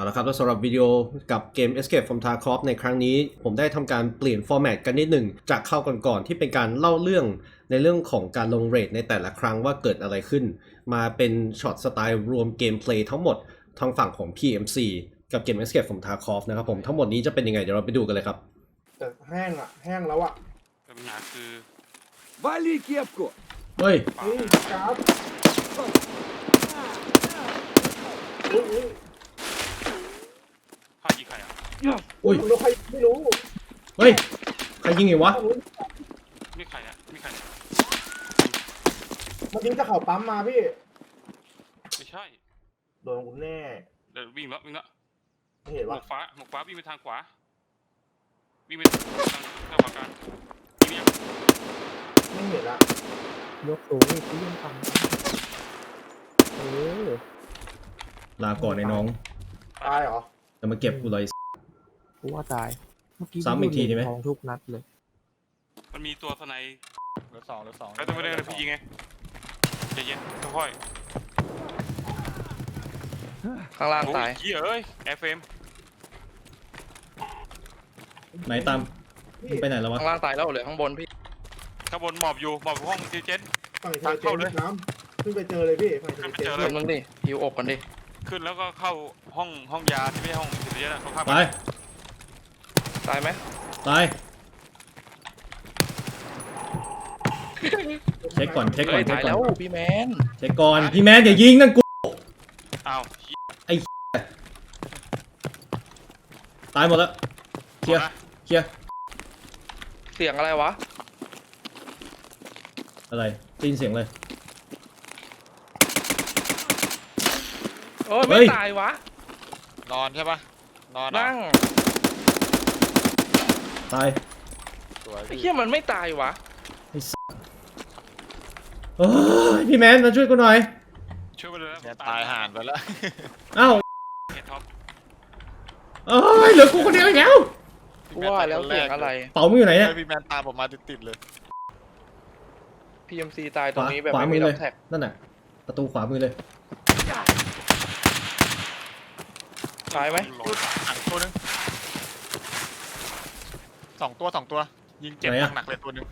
เอาละครับแล้วสำหรับวิดีโอกับเกม Escape from Tarkov ในครั้งนี้ผมได้ทำการเปลี่ยนฟอร์แมตกันนิดหนึ่งจากเข้าก่อนๆที่เป็นการเล่าเรื่องในเรื่องของการลงเรทในแต่ละครั้งว่าเกิดอะไรขึ้นมาเป็นช็อตสไตล์รวมเกมเพลย์ทั้งหมดทางฝั่งของ PMC กับเกม Escape from Tarkov นะครับผมทั้งหมดนี้จะเป็นยังไงเดี๋ยวเราไปดูกันเลยครับแต่แห้งแล้วอ่ะปัญหาคือ Вали кепку! เฮ้ยนี่ครับอุ้ยพ่อยิงใครอ่ะอุ้ยรู้ใครไม่รู้เฮ้ยใครยิงไงวะมีใครอ่ะมีใครเนี่ยมันยิงจากเขาปั๊มมาพี่ไม่ใช่โดนกูแน่เดี๋ยววิ่งแล้วไม่เห็นหมปะวกฟ้าวิ่งไปทางขวาวิ่งไปทางขวากลางยิงยังไม่เห็นละยกสูงอีกที่ยังทำลาก่อนไอ้น้องตายเหรอจะมาเก็บกูเลยกูว่าตายเมื่อกี้ซ้ำอีกทีดีไหมทองทุกนัดเลยมันมีตัวสไนเหลือสองแล้วตัวไม่ได้เลยพี่ยิงไงใจเย็นค่อยข้างล่างโอ้ตายยเอ้ยแอร์เฟรมไหนตามมึงไปไหนแล้ววะข้างล่างตายแล้วเหลือข้างบนพี่ข้างบนหมอบอยู่หมอบห้องซีเจนฝั่งเจอเจนน้ำขึ้นไปเจอเลยพี่ฝั่งเจอเจนเดี๋ยวมึงดิฮิวอกกันดิขึ้นแล้วก็เข้าห้องยาที่ไม่ใช่ห้องซีเจนเขาข้ามตายตายไหมตายเช็คก่อนเช็คก่อเฮ้นยเช็คตายก่อแล้นวพี่แมนเช็คก่อนพี่แมนอย่ายิงนั่นกูอ้าวตายหมดแล้วเคลียร์เคลียร์เสียงอะไรวะอะไรได้ยินเสียงเลยเออเฮ้ไม่ยตายวะนอนใช่ปะนอนนั่งตายสวยไอ้เหี้ยมันไม่ตายวะเฮ้ยพี่แมนมาช่วยกูหน่อยช่วยไปเลยนะเนี่ยตายห่านไปแล้วเอ้าเฮดท็อปเอ้ยเหลือกูคนเดียวอีกแล้วกูว่าแล้วเสียงอะไรเป๋ามึงอยู่ไหนเนี่ยพี่แมนตามผมมาติดๆเลย PMC ตายตรงนี้แบบขวาไม่มืมีอล็เลอย กแท็กนั่นน่ะประตูขวามือเลยตายไหมหันตัวนึงสองตัวยิงเจ็บไหนอะหนักๆเลยตัวนึง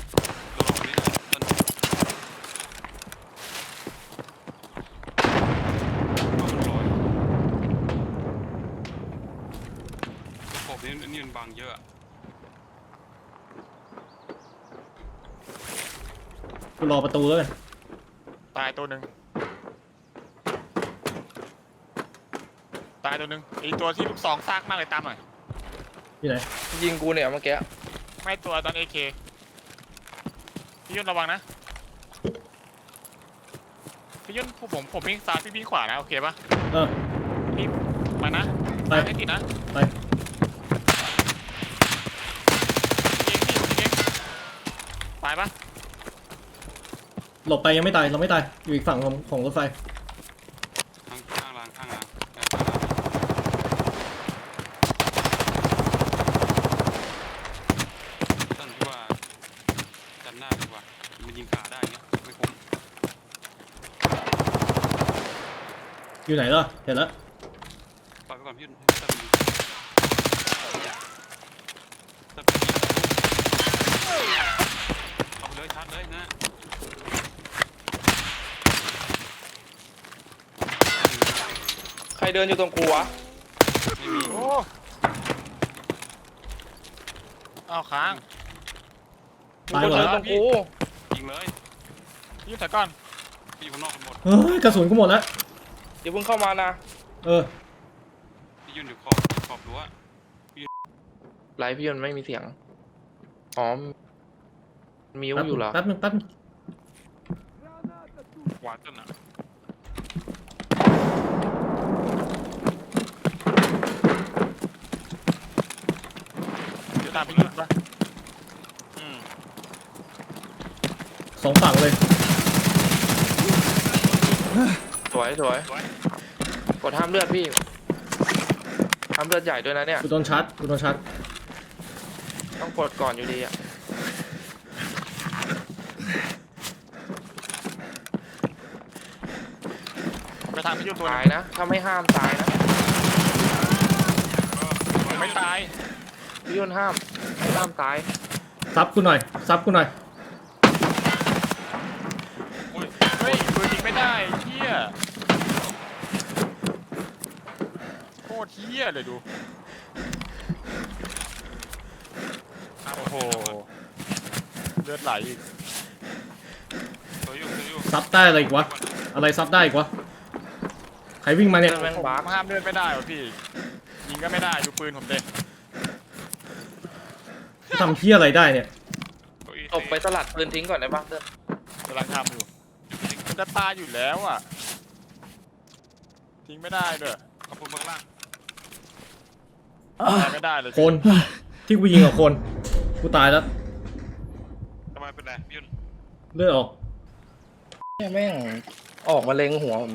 ผมนี่มันบางเยอะกูรอประตูแล้วกันตายตัวนึงตายตัวนึงไอตัวที่ลูกซองซากมากเลยตามหน่อยที่ไหนยิงกูเนี่ยเมื่อกี้ไม่ตัวตอน AK พี่ยุ่นระวังนะพี่ยุ่นผมวิ่งซ้ายพี่วิ่งขวานะโอเคปะเออพี่มานะไปไม่ติดนะไปยิงตายปะหลบไปยังไม่ตายเราไม่ตายอยู่อีกฝั่งของรถไฟข้างล่างตั้งที่ว่าจันหน้าดีกว่ามันยิงขาได้เงี้ยไม่คุ้มอยู่ไหนล่ะเห็นแล้วปล่อยไปก่อนพี่ตั้งดีเอาไปเลยชาร์จเลยนะใครเดินอยู่ตรงกูวะไม่มีโอ้อ้าวค้างมีคนเดินตรงกูยิงเลยพี่ยุ่นถอยก่อนพี่อยู่ข้างนอกกันหมดเฮ้ยกระสุนกูหมดแล้วเดี๋ยวเพิ่งเข้ามานะเออพี่ยืนอยู่ขอบรั้วไลฟ์พี่มันไม่มีเสียงอ๋อมิวอยู่เหรอแป๊บนึงหวานจนอ่ะเดี๋ยวตามพี่ยุ่นปะสองฝั่งเลยสวยกดห้ามเลือดพี่ห้ามเลือดใหญ่ด้วยนะเนี่ยกูโดนชาร์จต้องกดก่อนอยู่ดีอะไปทางพี่ยุ่นตัวตานึยงนะถ้าไม่ห้ามตายนะยุ่นห้ามตายซับกูหน่อยซับกูหน่อยอุ้ยเฮ้ยปืนยิงไม่ได้เฮียโคตรเฮียเลยดูโอ้โหเลือดไหลอีกตัวอยู่ซับได้อะไรอีกวะอะไรซับได้อีกวะใครวิ่งมาเนี่ยแม่งผมบาร์ห้ามเลือดไม่ได้วะพี่ยิงก็ไม่ได้ดูปืนผมเด็กทำเพี้ยอะไรได้เนี่ยตัวอีตบไปสลัดปืนทิ้งก่อนได้ปะเติ้ลกำลังทำอยู่มันจะตายอยู่แล้วอ่ะทิ้งไม่ได้ด้วยขอบคุณเบื้องล่างตายไม่ได้เลยคนที่กูยิงกับคนกูตายแล้วทำไมเป็นไรพี่ยุ่นเลือดออกเนี่ยแม่งออกมาเล็งหัวผม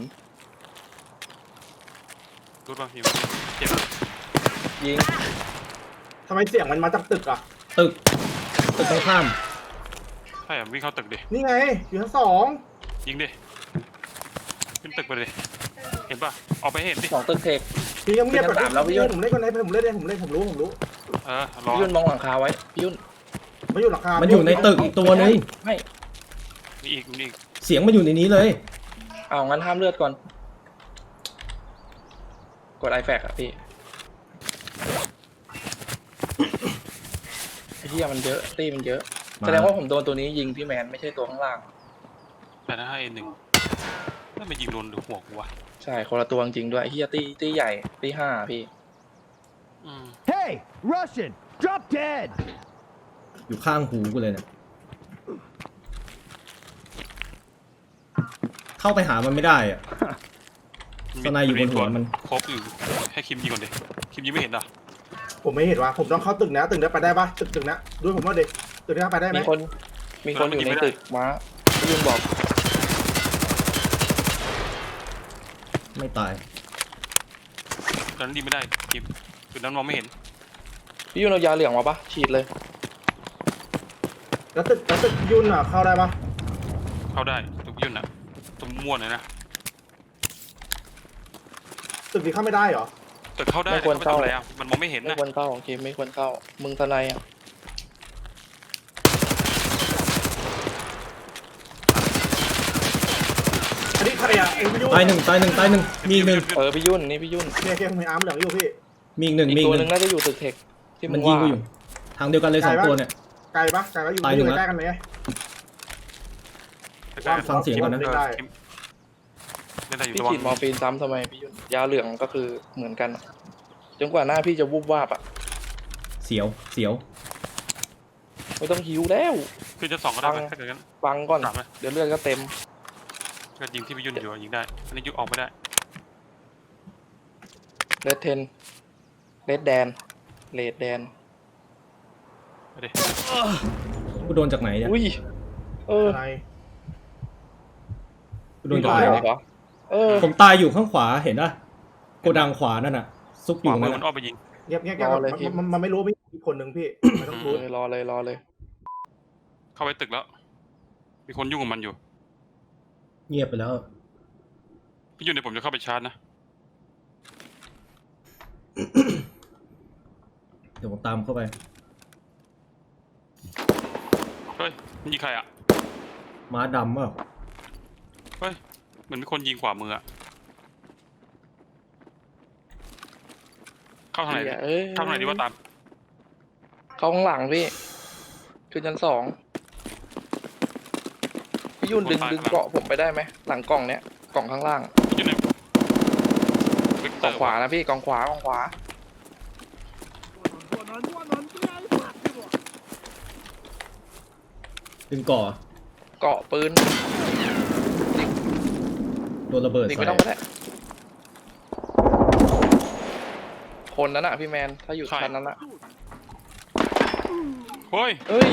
รู้ป่ะพี่เจ็บยิงทำไมเสียงมันมาจากตึกอ่ะตึกตรงข้ามใช่วิ่งเข้าตึกดินี่ไงอยู่ชั้น2 ยิงดิขึ้นตึกไปเลยเห็นป่ะออกไปเห็นดิสองตึกเทคพี่ยังเงียบพี่ยังตามแล้วพี่ยุ่นผมเล่นคนไหนผมเล่นผมรู้รอพี่ยุ่นมองหลังคาไว้พี่ยุ่นมาอยู่หลังคามันอยู่ในตึกอีกตัวนึงไม่มีอีกเสียงมันอยู่ในนี้เลยเอางั้นห้ามเลือดก่อนกดไอแฟกอะพี่ไอ้เหี้ยมันเยอะตีมันเยอะมาแสดงว่าผมโดนตัวนี้ยิงพี่แมนไม่ใช่ตัวข้างล่างแต่ถ้าให้หนึ่งถ้ามันยิงโดนหัวกูวะใช่คนละตัวจริงๆด้วยไอ้เหี้ยตีใหญ่ตี5พี่ Hey, Russian, drop dead! อยู่ข้างหูกูเลยเนี่ยเข้าไปหามันไม่ได้อะ สไนอยู่บนหัวมันครบอยู่ให้คิมยิงก่อนดิคิมยิงไม่เห็นเหรอผมไม่เห็นว่าผมต้องเข้าตึกนะตึกนี้ไปได้ปะตึกนะด้วยผมว่าเด็กตึกนี้ไปได้ไหมมีคนอยู่ในตึกม้าพี่ยุ่นบอกไม่ตายตอนนั้นดีไม่ได้คิมจุดนั้นมองไม่เห็นพี่ยุ่นเอายาเหลืองมาปะฉีดเลยแล้วตึกยุ่นอ่ะเข้าได้ปะเข้าได้ตัวพี่ยุ่นอ่ะตัวม่วนเลยนะตึกนี้เข้าไม่ได้เหรอแต่เข้าได้แต่เข้าไปทำอะไรอ่ะมันมองไม่เห็นไม่นะควรเข้าโอเคไม่ควรเข้ามึงทนายอ่ะอันนี้ใครอ่ะไอ้พี่ยุ่นตายหนึ่งมีอีกหนึ่งพี่ยุ่นนี่พี่ยุ่นเนี่ยผมเห็นอาร์มเหลืองอยู่พี่มีอีกหนึ่งอีกมีอีตัวกหหนึนึ่งงน่าจะอยู่ตึกเทคที่มึมันงยิงว่ากูอยู่ ทางเดียวกันเลยสองตัวเนี่ยไกลปะอยู่ตายหนึ่งใกล้กันไหมฟังเสียงก่อนนะไม่ได้เล่นได้อยู่พี่ตัวฉีดมอร์ฟีนซ้ำทำไมพี่ยุ่นยาเหลืองก็คือเหมือนกันอะจนกว่าหน้าพี่จะวูบวาบอ่ะเสียวไม่ต้องหิวแล้วคือจะสองก็ได้ไหมถ้าเกิดงั้นฟังก่อนสามไหมเดี๋ยวเลือดก็เต็มก็ยิงที่พี่ยุ่นอยู่ยิงได้อันนี้ยิงออกไม่ได้เลดเทนเลดแดนเลดแดนไปดิกูโดนจากไหนเนี่ยอุ้ยอะไรกูโดนจากไหนเหรเนี่ยอเออผมตายอยู่ข้างขวาเห็นป่ะโกดังขวานั่นน่ะ ซุกอขวายู่มืนั่อน มันน่ะอ้อมไปยิงเงียบมันไม่รู้พี่อีกคนหนึ่งพี่ไม่ต้องพูดรอเลยเข้าไปตึกแล้ว มีคนยุ่งกับมันอยู่เงียบไปแล้วพี่ยุ่นเดี๋ยวผมจะเข้าไปชาร์จนะเดี๋ยวผมตามเข้าไปเฮ้ยมันยิงใครอ่ะม้าดำเปล่าเฮ้ยเหมือนมีคนยิงขวามืออ่ะเข้าทางไหนเอ้ยเข้าทางไหนดีว่าตามเข้าข้างหลังพี่ขึ้นชั้น2พี่ยุ่นดึงเกาะผมไปได้ไหมหลังกล่องเนี้ยกล่องข้างล่างอยู่ในวิกเตกอล่องร์ขวานะพี่กล่องขวากล่องขวาดึงก่อเกาะปืนโดนระเบิดดิใส่ไม่ต้องก็ได้คนนั้นอะพี่แมนถ้าอยู่ชั้นนั้นอะเฮ้ยเฮ้ย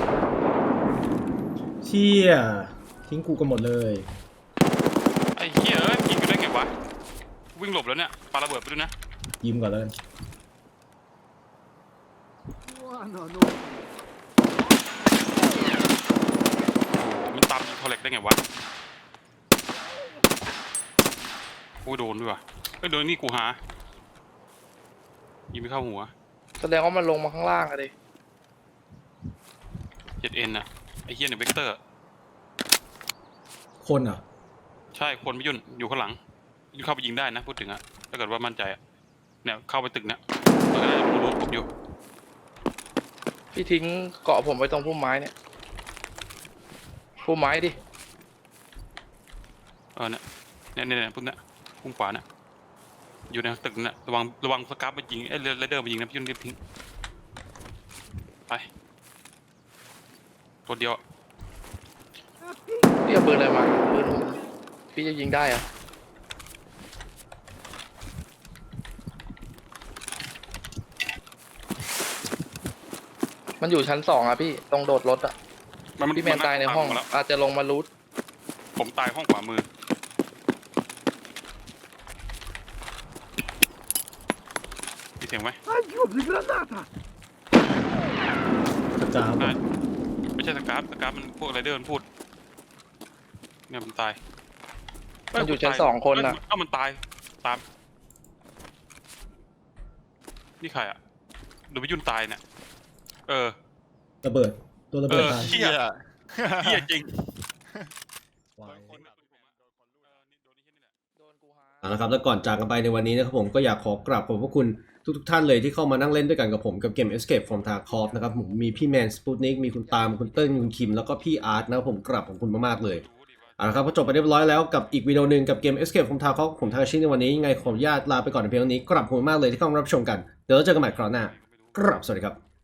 เชี่ยทิ้งกูกันหมดเลยไอ้เหี้ยเอ้ยยิงกูได้ไงวะวิ่งหลบแล้วเนี่ยปาระเบิดไปด้วยนะยิ้มก่อนแล้วกันมันตามยิงคอลเลกได้ไงวะโอ้ยโดนด้วยว่ะเอ้ยโดนนี่กูหายิงไม่เข้าหัวแสดงว่ามันลงมาข้างล่างอะดิ 7N อ่ะไอ้เหี้ยเนี่ยเวกเตอร์คนอ่ะใช่คนไม่ยุ่นอยู่ข้างหลังยุ่นเข้าไปยิงได้นะพูดถึงอะถ้าเกิดว่ามั่นใจอะเนี่ยเข้าไปตึกเนี่ยมันก็ได้รู้ผมอยู่พี่ทิ้งเกาะผมไว้ตรงพุ่มไม้เนี่ยพุ่มไม้ดิเนี่ยพุ่มเนี่ยพุ่มขวาเนี่ยอยู่ในตึกเนี่ยระวังสกัปมายิงเรเดอร์มายิงนะพี่ยุ่นรีบทิ้งไปตัวเดียวพี่เอาปืนอะไรมาปืนพี่จะยิงได้อะมันอยู่ชั้น2อะพี่ตรงโดดรถอะพี่แมนตายในห้องแล้วอาจจะลงมารูทผมตายห้องขวามือมีเสียงไหมกระจายไม่ใช่สกัปมันพวกไรเดอร์มันพูดเนี่ยมันตายมันอยู่ชั้น2คนอะเอ้ามันตายตามนี่ใครอะดูไปยุ่นตายเนี่ยระเบิด ตัวระเบิดตายเหี้ยเหี้ยจริงโดนกูหาเอาละครับแล้วก่อนจากกันไปในวันนี้นะครับผมก็อยากขอกราบขอบพระคุณทุกท่านเลยที่เข้ามานั่งเล่นด้วยกันกับผมกับเกม Escape from Tarkov นะครับผมมีพี่แมนสปูตนิกมีคุณตามคุณเติ้ลคุณคิมแล้วก็พี่อาร์ตนะครับผมกราบขอบคุณมากๆเลยเอาละครับก็จบไปเรียบร้อยแล้วกับอีกวิดีโอหนึ่งกับเกม Escape from Tarkov ผมทาคาชิในวันนี้ยังไงขออนุญาตลาไปก่อนในเพียงเท่านี้กราบขอบคุณมากเลยที่เข้ามารับชมกันเดี๋ยวเราเจอกันใหม่คราวหน้ากราบสวัสดีครับ